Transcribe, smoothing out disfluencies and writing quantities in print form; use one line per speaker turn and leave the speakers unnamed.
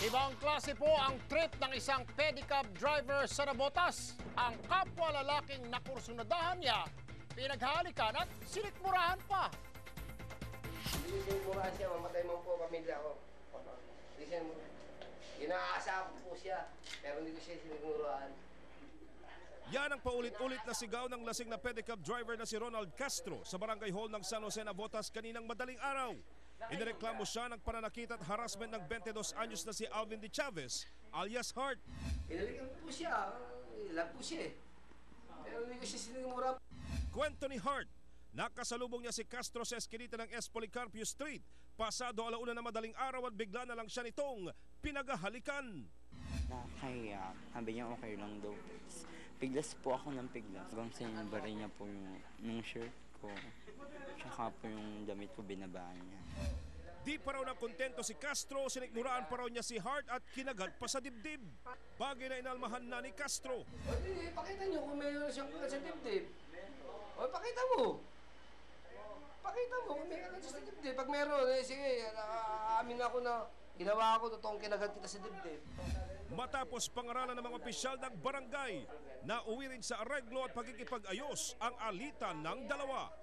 Ibang klase po ang trip ng isang pedicab driver sa Navotas. Ang kapwa lalaking nakursunadahan niya, pinaghalikan at sinikmurahan pa.
Hindi siya siya, mamatay man po pamilya ko. Hindi siya, inaasa ko po siya, pero hindi ko siya sinigmurahan.
Yan ang paulit-ulit na sigaw ng lasing na pedicab driver na si Ronald Castro sa barangay hall ng San Jose, Navotas kaninang madaling araw. Inireklamo siya ng pananakit at harassment ng 22 anyos na si Alvin de Chavez alias Heart.
Pinalikan po siya, ilag po siya eh. Pero hindi ko siya sinigmurahan.
Kwento ni Heart, nakasalubong niya si Castro sa eskinita ng S. Policarpio Street. Pasado alauna na madaling araw at bigla na lang siya nitong pinagahalikan.
Nakakaya, sabi niya okay lang daw. Piglas po ako ng piglas. Hanggang sinibari niya po yung shirt ko. Tsaka po yung damit ko binabaan niya.
Di pa raw nakontento si Castro, sinikmuraan pa raw niya si Heart at kinagat pa sa dibdib. Bagay na inalmahan na ni Castro.
O di, pakita niyo kung mayroon siyang kagat sa dibdib. O pakita mo. Pakita mo kung may kagat sa dibdib. Pag meron, sige, aamin ako na ginawa ko, totoong kinagat kita sa dibdib.
Matapos pangaralan ng mga opisyal ng barangay, nauwi rin sa areglo at pagkikipag-ayos ang alitan ng dalawa.